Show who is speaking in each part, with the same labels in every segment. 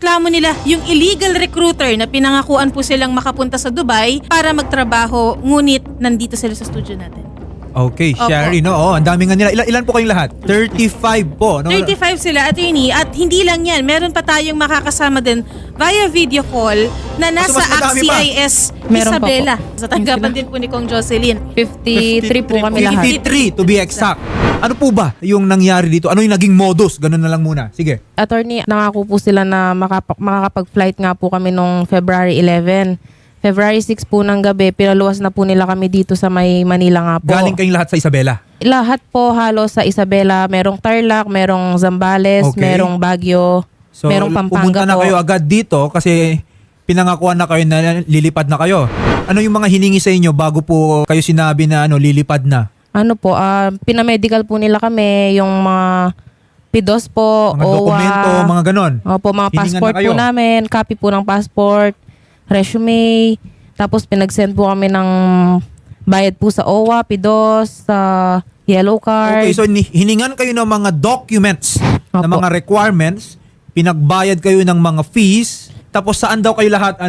Speaker 1: reklamo nila yung illegal recruiter na pinangakuan po silang makapunta sa Dubai para magtrabaho, ngunit nandito sila sa studio natin.
Speaker 2: Okay,
Speaker 1: Opo.
Speaker 2: Sherry, no? Oh, ang dami nga nila. Ilan po kayong lahat? 35 po, no?
Speaker 1: 35 sila, attorney, at hindi lang yan. Meron pa tayong makakasama din via video call na nasa
Speaker 2: mas madami pa.
Speaker 1: ACT-CIS
Speaker 3: Meron pa
Speaker 1: Isabela.
Speaker 3: po.
Speaker 1: Sa tanggapan din po ni Kong Jocelyn.
Speaker 3: 53 po kami lahat.
Speaker 2: 53 to be exact. Ano po ba yung nangyari dito? Ano yung naging modus? Ganun na lang muna. Sige.
Speaker 3: Attorney, nangako po sila na makakapag-flight nga po kami nung February 11. February 6 po ng gabi, pinaluwas na po nila kami dito sa may Manila nga po.
Speaker 2: Galing kayong lahat sa Isabela.
Speaker 3: Lahat po halos sa Isabela, merong Tarlac, merong Zambales,
Speaker 2: Okay.
Speaker 3: merong Baguio,
Speaker 2: So,
Speaker 3: merong Pampanga
Speaker 2: pumunta na
Speaker 3: po.
Speaker 2: kayo agad dito kasi pinangakuan na kayo na lilipad na kayo. Ano yung mga hiningi sa inyo bago po kayo sinabi na lilipad na?
Speaker 3: Ano po, pinamedical po nila kami, yung mga PIDOS po,
Speaker 2: Mga
Speaker 3: OWA.
Speaker 2: dokumento, mga ganon.
Speaker 3: Opo, mga
Speaker 2: Hiningan
Speaker 3: passport
Speaker 2: na kayo.
Speaker 3: po namin, copy po ng passport, resume, tapos pinag-send po kami ng bayad po sa OWA, PIDOS, sa yellow card.
Speaker 2: Okay, so hiningan kayo ng mga documents, ng
Speaker 3: Opo.
Speaker 2: mga requirements, pinagbayad kayo ng mga fees, tapos saan daw kayo lahat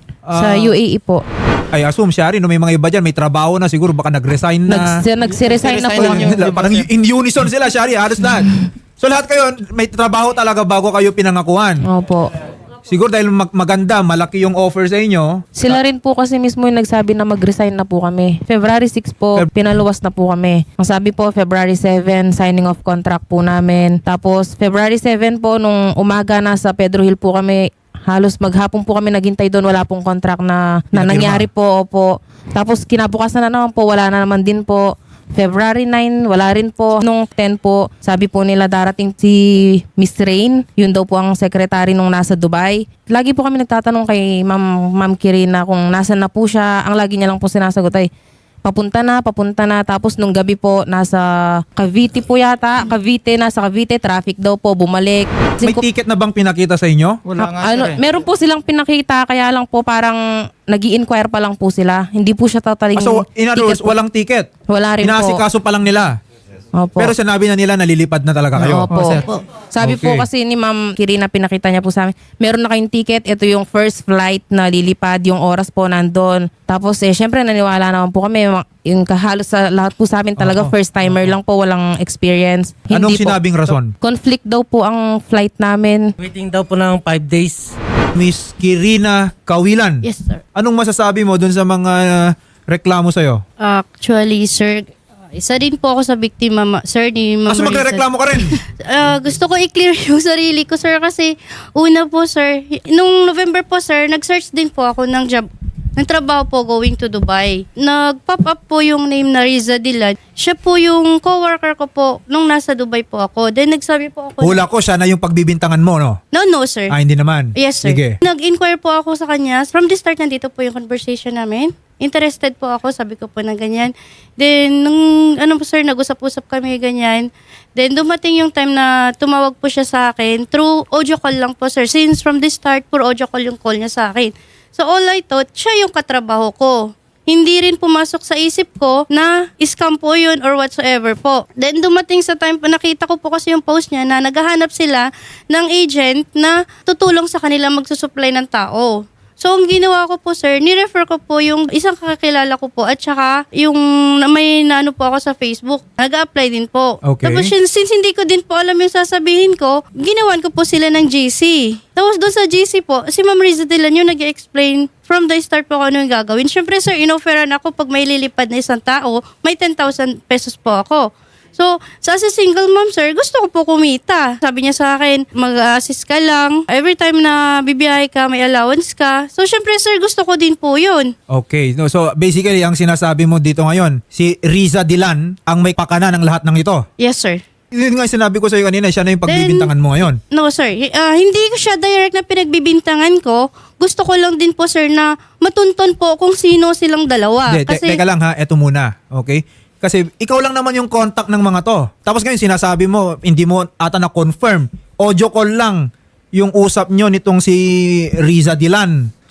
Speaker 3: Sa UAE po.
Speaker 2: I assume, Shari, may mga iba dyan, may trabaho na, siguro baka nag-resign na.
Speaker 3: Nagsiresign na po yung...
Speaker 2: Parang in unison sila, Shari, halos lahat. So lahat kayo, may trabaho talaga bago kayo pinangakuan.
Speaker 3: Opo.
Speaker 2: Siguro dahil maganda, malaki yung offer sa inyo.
Speaker 3: Sila rin po kasi mismo yung nagsabi na mag-resign na po kami. February 6 po, pinaluwas na po kami. Ang sabi po, February 7, signing of contract po namin. Tapos, February 7 po, nung umaga nasa Pedro Hill po kami, halos maghapon po kami naghintay doon, wala pong contract na nangyari po. Opo. Tapos, kinabukasan na naman po, wala na naman din po. February 9, wala rin po. Nung 10 po, sabi po nila darating si Miss Rain. Yun daw po ang secretary nung nasa Dubai. Lagi po kami nagtatanong kay Ma'am Kirina kung nasan na po siya. Ang lagi niya lang po sinasagot ay, papunta na. Tapos nung gabi po, nasa Cavite po yata. Nasa Cavite, traffic daw po, bumalik.
Speaker 2: May ticket na bang pinakita sa inyo?
Speaker 4: Wala nga sir eh.
Speaker 3: Meron po silang pinakita, kaya lang po parang nag-i-inquire pa lang po sila. Hindi po siya totally
Speaker 2: So, in other words,
Speaker 3: ticket po.
Speaker 2: walang ticket.
Speaker 3: Wala rin po.
Speaker 2: Inaasikaso pa lang nila.
Speaker 3: Opo.
Speaker 2: Pero sinabi na nila nalilipad na talaga kayo.
Speaker 3: Opo. Sabi po
Speaker 2: Okay.
Speaker 3: kasi ni Ma'am Kirina, pinakita niya po sa amin, meron na kayong ticket, ito yung first flight na lilipad, yung oras po nandun. Tapos syempre naniwala naman po kami, yung halos sa lahat po sa amin talaga,
Speaker 2: Oo.
Speaker 3: first timer lang po, walang experience.
Speaker 2: Anong
Speaker 3: po.
Speaker 2: sinabing rason?
Speaker 3: Conflict daw po ang flight namin.
Speaker 4: Waiting daw po ng 5 days.
Speaker 2: Miss Kirina Kawilan.
Speaker 5: Yes, sir.
Speaker 2: Anong masasabi mo dun sa mga reklamo sa'yo?
Speaker 5: Actually, sir, isa din po ako sa biktima, sir, ni Ma'am
Speaker 2: Kaso
Speaker 5: Marisa.
Speaker 2: magre-reklamo ka rin.
Speaker 5: Gusto ko i-clear yung sarili ko, sir, kasi una po, sir, nung November po, sir, nag-search din po ako ng job. Ng trabaho po going to Dubai. Nag-pop up po yung name na Riza Dilan. Siya po yung co-worker ko po nung nasa Dubai po ako. Then nagsabi po ako,
Speaker 2: Hula ko, siya na yung pagbibintangan mo, no?
Speaker 5: no, sir.
Speaker 2: Hindi naman.
Speaker 5: Yes, sir.
Speaker 2: Sige.
Speaker 5: Nag-inquire po ako sa kanya. From the start, nandito po yung conversation namin. Interested po ako, sabi ko po na ganyan. Then, nung, sir, nag-usap-usap kami ganyan. Then, dumating yung time na tumawag po siya sa akin. Through audio call lang po, sir. Since from the start, puro audio call yung call niya sa akin. So, all I thought, siya yung katrabaho ko. Hindi rin pumasok sa isip ko na scam po yun or whatsoever po. Then dumating sa time po, nakita ko po kasi yung post niya na naghahanap sila ng agent na tutulong sa kanila magsusupply ng tao. So, ang ginawa ko po, sir, ni-refer ko po yung isang kakilala ko po at saka yung may naano po ako sa Facebook. Nag-apply din po.
Speaker 2: Okay.
Speaker 5: Tapos since hindi ko din po alam yung sasabihin ko, ginawan ko po sila ng GC. Tapos doon sa GC po, si Ma'am Riza Dilan yung nag-explain from the start po kung ano yung gagawin. Siyempre, sir, inofferan ako pag may lilipad na isang tao, may 10,000 pesos po ako. So, sa as a single mom, sir, gusto ko po kumita. Sabi niya sa akin, mag-assist ka lang. Every time na bibiyahe ka, may allowance ka. So, syempre, sir, gusto ko din po yun.
Speaker 2: Okay. No, so, basically, ang sinasabi mo dito ngayon, si Riza Dilan ang may pakana ng lahat ng ito.
Speaker 5: Yes, sir.
Speaker 2: Yun nga yung sinabi ko sa'yo kanina, siya na yung pagbibintangan mo ngayon.
Speaker 5: No, sir. Hindi ko siya direct na pinagbibintangan ko. Gusto ko lang din po, sir, na matunton po kung sino silang dalawa.
Speaker 2: Hindi, teka lang ha, eto muna. Okay? Kasi ikaw lang naman yung contact ng mga to. Tapos ngayon sinasabi mo, hindi mo ata na-confirm. Audio call lang yung usap nyo nitong si Riza Dilan.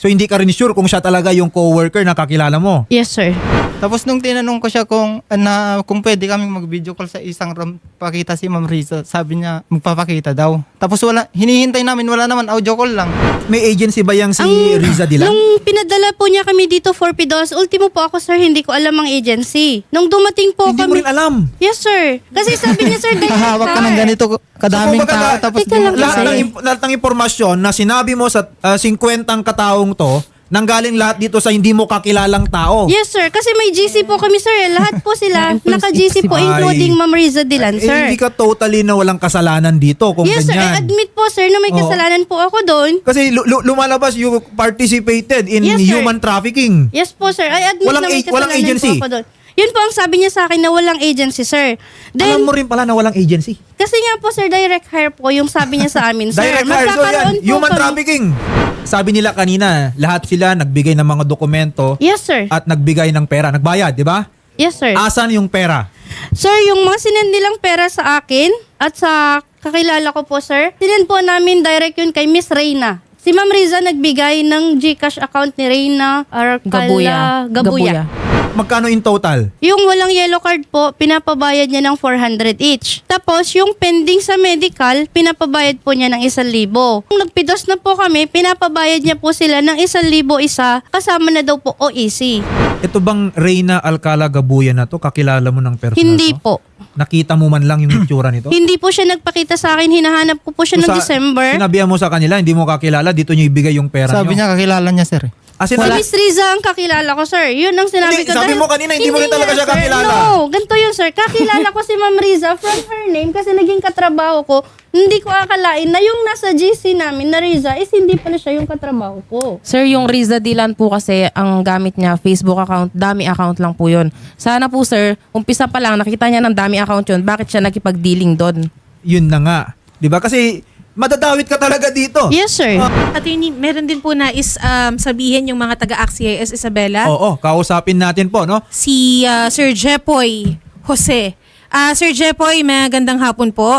Speaker 2: So hindi ka rin sure kung siya talaga yung co-worker na kakilala mo.
Speaker 5: Yes, sir.
Speaker 6: Tapos nung tinanong ko siya kung pwede kami mag-video call sa isang room, pakita si Ma'am Riza, sabi niya magpapakita daw. Tapos hinihintay namin, wala naman, audio call lang.
Speaker 2: May agency ba yang si Riza Dilan?
Speaker 5: Nung pinadala po niya kami dito for PDOS, ultimo po ako, sir, hindi ko alam ang agency. Nung dumating po
Speaker 2: Hindi mo
Speaker 5: kami...
Speaker 2: rin alam.
Speaker 5: Yes, sir. Kasi sabi niya, sir,
Speaker 6: Hahawak ka ng ganito kadaming
Speaker 2: kumbaga,
Speaker 6: tao, tapos
Speaker 5: Teka lang,
Speaker 2: Lahat ng impormasyon na sinabi mo sa 50 kataong to, nanggaling lahat dito sa hindi mo kakilalang tao.
Speaker 5: Yes, sir. Kasi may GC po kami, sir. Lahat po sila, naka-GC po,
Speaker 2: Ay.
Speaker 5: including Ma'am Riza Dilan, sir.
Speaker 2: Hindi ka totally na walang kasalanan dito kung
Speaker 5: Yes, sir. I
Speaker 2: ganyan.
Speaker 5: admit po, sir, na may
Speaker 2: Oo.
Speaker 5: kasalanan po ako doon.
Speaker 2: Kasi lumalabas you participated in
Speaker 5: Yes, sir.
Speaker 2: human trafficking.
Speaker 5: Yes po, sir. I admit
Speaker 2: Walang
Speaker 5: na may
Speaker 2: walang
Speaker 5: kasalanan
Speaker 2: agency.
Speaker 5: po ako doon. Yun po ang sabi niya sa akin na walang agency, sir. Then,
Speaker 2: Alam mo rin pala na walang agency.
Speaker 5: kasi nga po, sir, direct hire po yung sabi niya sa amin, sir.
Speaker 2: Direct hire. So yan,
Speaker 5: Magkakaroon po
Speaker 2: human
Speaker 5: kami-
Speaker 2: trafficking. Sabi nila kanina, lahat sila nagbigay ng mga dokumento
Speaker 5: Yes, sir.
Speaker 2: at nagbigay ng pera. Nagbayad, di ba?
Speaker 5: Yes, sir.
Speaker 2: Asan yung pera?
Speaker 5: Sir, yung mga sinend nilang pera sa akin at sa kakilala ko po, sir, sinend po namin direct yun kay Miss Reyna. Si Ma'am Riza nagbigay ng GCash account ni Reyna Arcala Gabuya.
Speaker 2: Magkano in total?
Speaker 5: Yung walang yellow card po, pinapabayad niya ng 400 each. Tapos, yung pending sa medical, pinapabayad po niya ng 1,000. Kung nagpidos na po kami, pinapabayad niya po sila ng 1,000 isa, kasama na daw po OEC.
Speaker 2: Ito bang Reyna Alcala Gabuya na to? Kakilala mo ng personal
Speaker 5: Hindi
Speaker 2: to?
Speaker 5: po.
Speaker 2: Nakita mo man lang yung itsura nito?
Speaker 5: Hindi po siya nagpakita sa akin, hinahanap ko po siya
Speaker 2: So
Speaker 5: noong December.
Speaker 2: Sinabihan mo sa kanila, hindi mo kakilala, dito nyo ibigay yung pera
Speaker 6: sabi
Speaker 2: nyo.
Speaker 6: niya kakilala niya, sir.
Speaker 2: As in,
Speaker 5: Si Miss Riza ang kakilala ko, sir. Yun ang sinabi
Speaker 2: Hindi,
Speaker 5: ko.
Speaker 2: sabi
Speaker 5: Dahil-
Speaker 2: mo kanina, hindi mo rin talaga
Speaker 5: nga,
Speaker 2: siya
Speaker 5: sir.
Speaker 2: kakilala.
Speaker 5: No, ganito yun, sir. Kakilala ko si Ma'am Riza from her name kasi naging katrabaho ko. Hindi ko akalain na yung nasa GC namin na Riza is hindi pala siya yung katrabaho ko.
Speaker 3: Sir, yung Riza Dilan po kasi ang gamit niya, Facebook account, dami account lang po yun. Sana po sir, umpisa pa lang, nakita niya ng dami account yun, bakit siya nakipag-dealing doon?
Speaker 2: Yun na nga. Di ba? Kasi madadawit ka talaga dito.
Speaker 5: Yes, sir.
Speaker 1: Attorney, meron din po nais sabihin yung mga taga-AXIS Isabela.
Speaker 2: Oo, kausapin natin po, no?
Speaker 1: Si Sir Jepoy Jose. Sir Jepoy, magandang hapon po.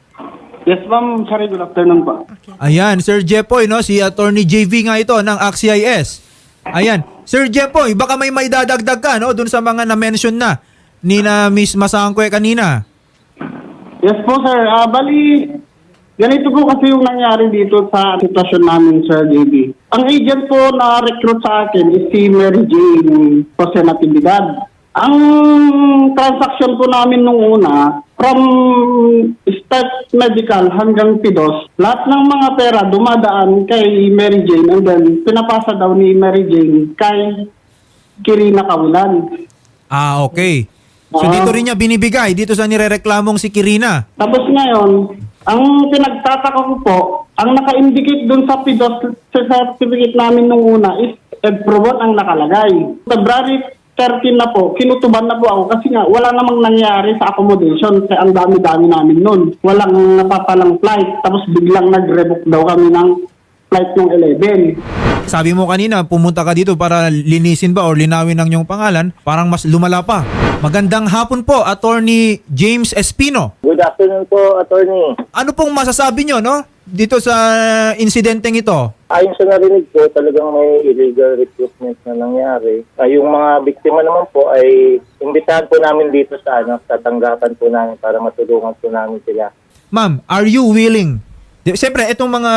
Speaker 7: Yes, ma'am. Sorry, good afternoon po.
Speaker 2: Ayan, Sir Jepoy, no? Si Attorney JV nga ito ng AXIS. Ayan. Sir Jepoy, baka may maidadagdag ka, no? Dun sa mga na-mention na ni na Miss Masangkwe kanina.
Speaker 7: Yes po, sir. Bali, ganito po kasi yung nangyari dito sa sitwasyon namin, Sir JB. Ang agent po na recruit sa akin is si Mary Jane Jose Natividad. Ang transaction po namin nung una, from start medical hanggang PDOS, lahat ng mga pera dumadaan kay Mary Jane and then pinapasa daw ni Mary Jane kay Kirina Kawilan.
Speaker 2: Ah, okay. So dito rin niya binibigay, dito sa nirereklamong si Kirina.
Speaker 7: Tapos ngayon, ang pinagtataka ko po, ang naka-indicate dun sa PDOS sa certificate namin nung una is Edprovon ang nakalagay. February 13 na po, kinutuban na po ako kasi nga wala namang nangyari sa accommodation kaya ang dami-dami namin nun. Walang napapalang flight, tapos biglang nag-revoke daw kami ng flight ng 11.
Speaker 2: Sabi mo kanina, pumunta ka dito para linisin ba or linawin ang iyong pangalan, parang mas lumala pa. Magandang hapon po, Attorney James Espino.
Speaker 8: Good afternoon po, attorney.
Speaker 2: Ano pong masasabi nyo, no? Dito sa insidenteng ito?
Speaker 8: Ayon sa narinig ko, talagang may illegal recruitment na nangyari. Yung mga biktima naman po ay imbitahan po namin dito sa sa tanggapan po namin para matulungan po namin sila.
Speaker 2: Ma'am, are you willing? Siyempre, itong mga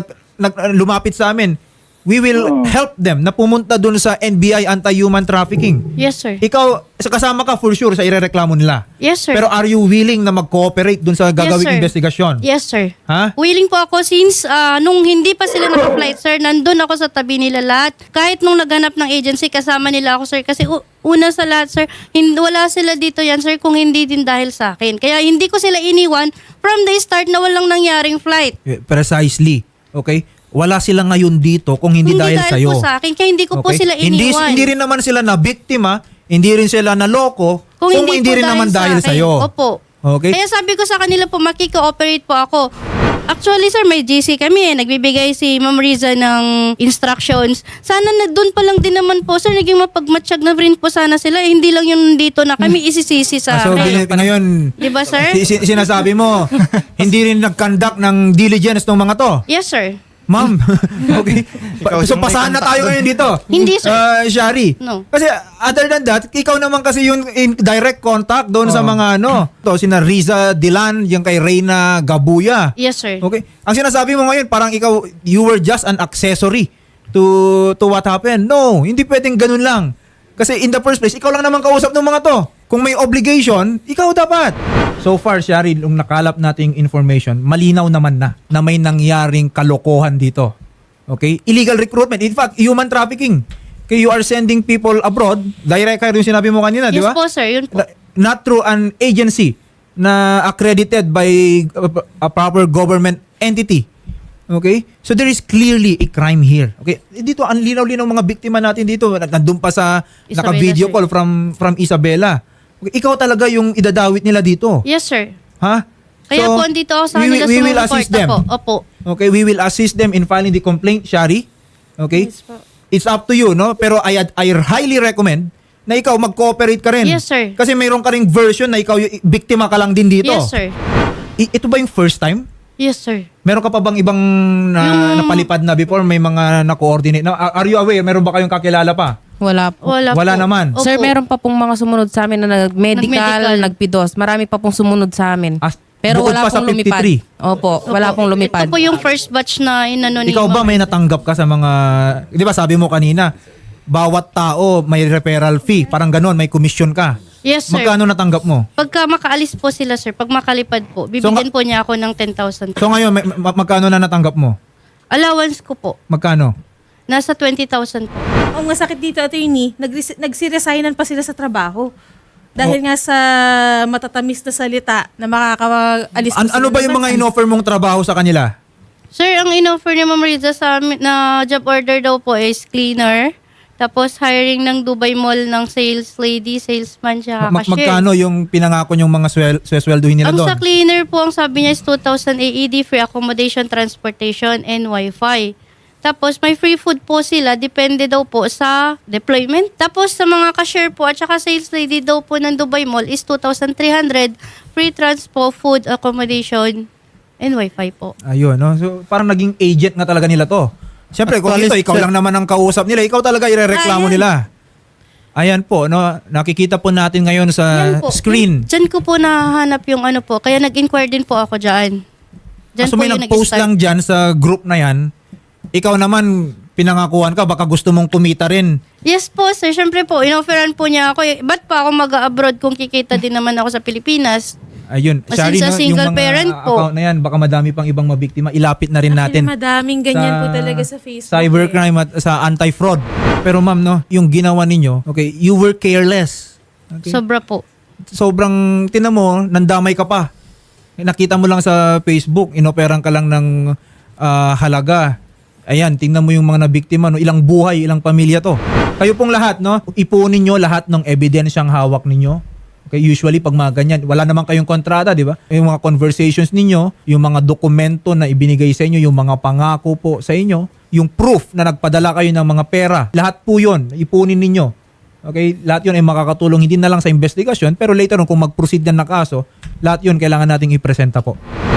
Speaker 2: lumapit sa amin, we will help them na pumunta dun sa NBI Anti-Human Trafficking.
Speaker 5: Yes, sir.
Speaker 2: Ikaw, kasama ka for sure sa irereklamo nila.
Speaker 5: Yes, sir.
Speaker 2: Pero are you willing na mag-cooperate dun sa gagawing
Speaker 5: sir.
Speaker 2: investigasyon?
Speaker 5: Yes, sir.
Speaker 2: Ha?
Speaker 5: Willing po ako since nung hindi pa sila naka-flight, sir, nandun ako sa tabi nila lahat. Kahit nung naghanap ng agency, kasama nila ako, sir. Kasi una sa lahat, sir, wala sila dito yan, sir, kung hindi din dahil sa akin. Kaya hindi ko sila iniwan from the start na walang nangyaring flight.
Speaker 2: Precisely. Okay? Wala sila ngayon dito kung hindi dahil sa'yo.
Speaker 5: po sa akin, kaya hindi ko po
Speaker 2: Okay?
Speaker 5: sila iniwan.
Speaker 2: Hindi rin naman sila na biktima, hindi rin sila na loko,
Speaker 5: Kung hindi po
Speaker 2: rin
Speaker 5: dahil
Speaker 2: naman
Speaker 5: sa
Speaker 2: dahil
Speaker 5: akin.
Speaker 2: sa'yo.
Speaker 5: Opo.
Speaker 2: Okay?
Speaker 5: Kaya sabi ko sa kanila po, makiko-operate po ako. Actually, sir, may GC kami. Nagbibigay si Ma'am Riza ng instructions. Sana na doon pa lang din naman po, sir, naging mapagmatsyag na rin po sana sila. Hindi lang yung dito na kami isisisi sa
Speaker 2: So,
Speaker 5: akin.
Speaker 2: ngayon,
Speaker 5: Di ba, sir?
Speaker 2: sinasabi mo, hindi rin nag-conduct ng diligence ng mga to.
Speaker 5: Yes, sir.
Speaker 2: Ma'am, okay.
Speaker 6: Ikaw
Speaker 2: So
Speaker 6: yung may
Speaker 2: pasahan na
Speaker 6: contact
Speaker 2: tayo
Speaker 6: doon.
Speaker 2: ngayon dito.
Speaker 5: Hindi, sir.
Speaker 2: Shari.
Speaker 5: No.
Speaker 2: Kasi other than that, ikaw naman kasi yung in direct contact doon sa mga to, sina Riza Dilan, yung kay Reyna Gabuya.
Speaker 5: Yes, sir.
Speaker 2: Okay. Ang sinasabi mo ngayon, parang ikaw, you were just an accessory to what happened. No, hindi pwedeng ganun lang. Kasi in the first place, ikaw lang naman kausap ng mga to. Kung may obligation, ikaw dapat. So far, Shari, nung nakalap nating information, malinaw naman na may nangyaring kalokohan dito. Okay? Illegal recruitment. In fact, human trafficking. Okay, you are sending people abroad. Direct kayo yung sinabi mo kanina, di
Speaker 5: Yes
Speaker 2: ba?
Speaker 5: po, sir. Yun po.
Speaker 2: Not through an agency na accredited by a proper government entity. Okay? So there is clearly a crime here. Okay? Dito ang linaw-linaw mga biktima natin dito. Nandun pa sa
Speaker 5: Isabela,
Speaker 2: naka-video
Speaker 5: sir.
Speaker 2: call from Isabela. Okay, ikaw talaga yung idadawit nila dito.
Speaker 5: Yes, sir.
Speaker 2: Ha?
Speaker 5: Kaya
Speaker 2: So,
Speaker 5: po, andito ako sa
Speaker 2: we
Speaker 5: kanila
Speaker 2: will assist them.
Speaker 5: po. Opo.
Speaker 2: Okay, we will assist them in filing the complaint, Shari. Okay?
Speaker 5: Yes po.
Speaker 2: It's up to you, no? Pero I highly recommend na ikaw mag-cooperate ka rin.
Speaker 5: Yes, sir.
Speaker 2: Kasi mayroon ka ring version na ikaw yung biktima ka lang din dito.
Speaker 5: Yes, sir.
Speaker 2: Ito ba yung first time?
Speaker 5: Yes, sir.
Speaker 2: Meron ka pa bang ibang napalipad na before? May mga na-coordinate? Are you aware? Meron ba kayong kakilala pa?
Speaker 3: Wala po.
Speaker 5: Wala
Speaker 2: Wala
Speaker 5: po.
Speaker 2: naman.
Speaker 5: Opo.
Speaker 3: Sir, meron pa pong mga sumunod sa amin na nag-medical,
Speaker 5: Nag-medical.
Speaker 3: nag-PIDOS. Marami pa pong sumunod sa amin. Pero
Speaker 2: bukod
Speaker 3: wala
Speaker 2: pa sa
Speaker 3: pong lumipad.
Speaker 2: 53.
Speaker 3: Opo, wala pong lumipad.
Speaker 5: Ito po yung first batch na inano ni
Speaker 2: Ikaw ba
Speaker 5: Ma'am.
Speaker 2: may natanggap ka sa mga, di ba sabi mo kanina, bawat tao may referral fee, parang ganon, may commission ka.
Speaker 5: Yes, sir.
Speaker 2: Magkano natanggap mo?
Speaker 5: Pagka makaalis po sila, sir, pag makalipad po, bibigyan po niya ako ng 10,000.
Speaker 2: So ngayon, magkano na natanggap mo?
Speaker 5: Allowance ko po,
Speaker 2: Magkano?
Speaker 5: nasa 20,000 po.
Speaker 1: Ang masakit dito, attorney, nagsiresignan pa sila sa trabaho. Dahil nga sa matatamis na salita na makakaalis pa sila
Speaker 2: Ano ba
Speaker 1: ng
Speaker 2: yung mga
Speaker 1: bansa.
Speaker 2: inoffer mong trabaho sa kanila?
Speaker 5: Sir, ang inoffer ni Ma'am Riza sa amin na job order daw po is cleaner. Tapos hiring ng Dubai Mall ng sales lady, salesman, siya cashier.
Speaker 2: Magkano yung pinangako yung mga swelduhin nila
Speaker 5: Ang
Speaker 2: doon?
Speaker 5: sa cleaner po, ang sabi niya is 2,000 AED, free accommodation, transportation, and Wi-Fi. Tapos may free food po sila, depende daw po sa deployment. Tapos sa mga cashier po at saka sales lady daw po ng Dubai Mall is 2,300, free transpo, food, accommodation, and Wi-Fi po.
Speaker 2: Ayun, no? So parang naging agent nga talaga nila to. Siyempre, kung
Speaker 6: Actually,
Speaker 2: ito, ikaw
Speaker 6: sir-
Speaker 2: lang naman ang kausap nila, ikaw talaga irereklamo
Speaker 1: Ayan.
Speaker 2: nila. Ayan po, no? Nakikita po natin ngayon sa
Speaker 5: Yan po.
Speaker 2: screen.
Speaker 5: Diyan ko po nahanap yung ano po, kaya nag-inquire din po ako dyan. Diyan
Speaker 2: So
Speaker 5: po
Speaker 2: may
Speaker 5: yung
Speaker 2: nag-post
Speaker 5: nag-start.
Speaker 2: lang dyan sa group na yan. Ikaw naman, pinangakuan ka, baka gusto mong kumita rin.
Speaker 5: Yes po, sir. Siyempre po, inofferan po niya ako. Ba't pa ako mag-abroad kung kikita din naman ako sa Pilipinas?
Speaker 2: Ayun,
Speaker 5: As in
Speaker 2: Shari,
Speaker 5: sa
Speaker 2: no,
Speaker 5: single
Speaker 2: yung mga
Speaker 5: parent po.
Speaker 2: account na yan, baka madami pang ibang mabiktima. Ilapit na rin natin.
Speaker 1: Madaming ganyan po talaga sa Facebook.
Speaker 2: Cybercrime at sa anti-fraud. Pero ma'am, no, yung ginawa ninyo, okay, you were careless. Okay?
Speaker 5: Sobra po.
Speaker 2: Sobrang, tinan mo, nandamay ka pa. Nakita mo lang sa Facebook, inoperang ka lang ng halaga. Ayan, tingnan mo yung mga nabiktima, no? Ilang buhay, ilang pamilya to. Kayo pong lahat, no? Ipunin nyo lahat ng ebidensyang hawak ninyo. Okay, usually pag mga ganyan, wala naman kayong kontrata, di ba? Yung mga conversations ninyo, yung mga dokumento na ibinigay sa inyo, yung mga pangako po sa inyo, yung proof na nagpadala kayo ng mga pera, lahat po yun, ipunin ninyo. Okay, lahat yun ay makakatulong hindi na lang sa investigasyon, pero later on kung mag-proceed na kaso, lahat yun kailangan nating ipresenta po.